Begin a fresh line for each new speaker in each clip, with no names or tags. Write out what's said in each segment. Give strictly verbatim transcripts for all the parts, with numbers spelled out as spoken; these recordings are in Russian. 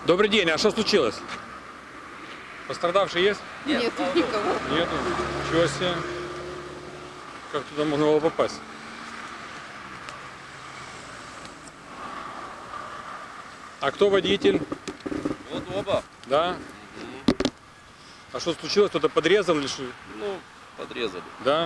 Добрый день, а что случилось? Пострадавший есть?
Нет, Нет никого.
Нету. Ничего себе. Как туда можно было попасть? А кто водитель?
Вот оба.
Да?
Угу.
А что случилось? Кто-то подрезал или что?
Ну, подрезали.
Да?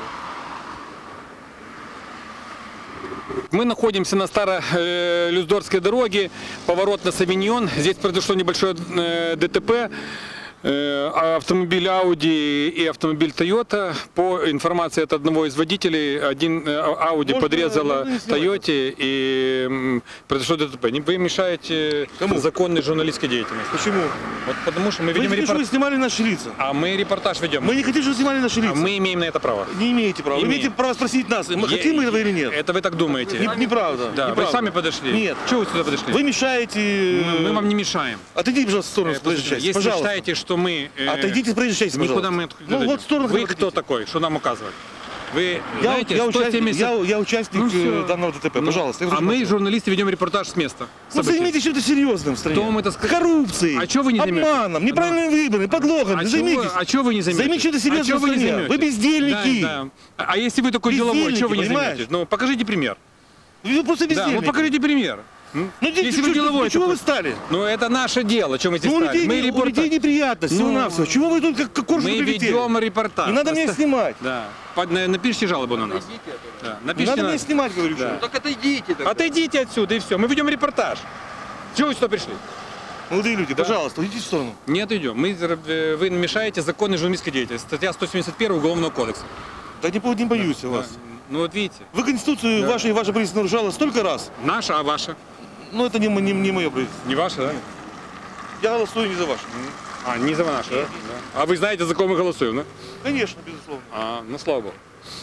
Угу. Мы находимся на Старо-Люздорской дороге, поворот на Савиньон. Здесь произошло небольшое ДТП. Автомобиль Audi и автомобиль Toyota. По информации от одного из водителей, один Audi Может, подрезала Toyota и произошло ДТП. Вы мешаете Кому? законной журналистской деятельности.
Почему?
Вот потому что мы ведем
репортаж. Вы
репорт...
вы снимали наши лица.
А мы репортаж ведем.
Мы не хотим, чтобы вы снимали наши лица.
А мы имеем на это право.
Не имеете права. Имеем. Вы имеете право спросить нас, мы Я... хотим мы этого или нет.
Это вы так думаете.
Не, неправда.
Да,
неправда.
Вы сами подошли.
Нет.
Чего вы сюда подошли?
Вы мешаете.
Мы, мы вам не мешаем.
Отойдите, пожалуйста, в сторону с проезжей части.
Если
пожалуйста.
считаете, что мы... Э...
Отойдите с проезжей части,
Никуда мы
ну, вот в сторону,
Вы кто такой, что нам указывать? Вы
я,
знаете,
я,
сто семьдесят...
я, я участник ну, данного ДТП, ну, пожалуйста.
А мы, журналисты, ведем репортаж с места.
Ну, займитесь чем-то серьезным в стране.
Кто это...
Коррупцией,
а вы не
обманом, неправильным выбором, подлогом.
А
займитесь.
А что вы не заметите?
Займитесь чем-то серьезным
а
в стране. Вы, вы бездельники.
Да, да. А если вы такой деловой, что вы не заметите? Ну, покажите пример.
Вы просто бездельники.
Да, ну покажите пример.
Ну,
если вы деловой,
чего вы стали?
Ну, это наше дело, чем мы здесь
ну,
стали.
Людей,
мы
репортаж... У людей неприятности,
ну,
всего-навсего. Чего вы тут как, как коржик
Мы
прилетели?
ведем репортаж.
Не надо
Просто...
меня снимать.
Да. Под... Напишите жалобу на нас. Да.
Не надо
на...
меня снимать, говорю.
Да.
Ну, так отойдите. Тогда.
Отойдите отсюда и все. Мы ведем репортаж. Чего вы сюда пришли?
Молодые люди,
да.
пожалуйста, уйдите в сторону.
Нет, идем. Мы... Вы мешаете законной журналистской деятельности. Статья сто семьдесят один Уголовного кодекса.
Да не, не боюсь да. вас.
Да. Ну вот видите.
Вы Конституцию да. вашу и ваше правительство нарушало столько раз.
Наша, а ваша?
Ну это не, не, не мое правительство.
Не ваше, да?
Я голосую не за ваше.
А, не за наше, да? да? А вы знаете, за кого мы голосуем, да?
Конечно, безусловно.
А, ну слава богу.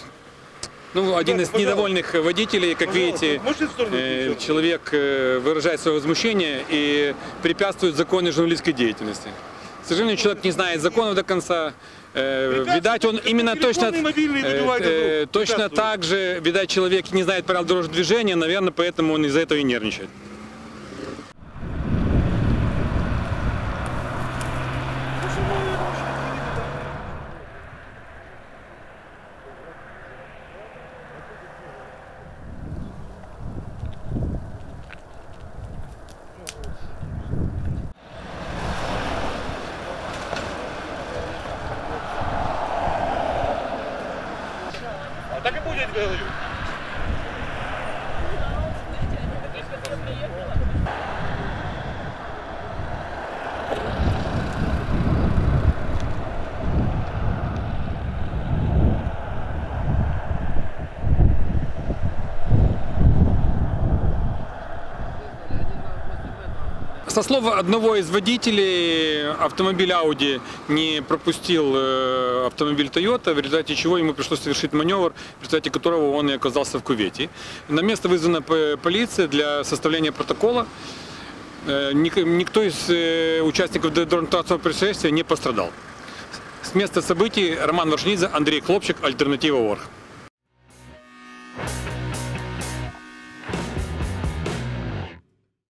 Ну, один
да,
из
пожалуйста.
недовольных водителей, как
Пожалуйста.
видите, э, человек э, выражает свое возмущение и препятствует законной журналистской деятельности. К сожалению, человек не знает законов до конца. Э, видать, он именно точно, э, э, точно так же, видать, человек не знает правил дорожного движения, наверное, поэтому он из-за этого и нервничает.
Так и будет, говорю.
Со слов одного из водителей, автомобиль Audi не пропустил автомобиль Toyota, в результате чего ему пришлось совершить маневр, в результате которого он и оказался в кювете. На место вызвана полиция для составления протокола. Никто из участников дорожно-транспортного происшествия не пострадал. С места событий Роман Варшинидзе, Андрей Хлопчик, Альтернатива Орг.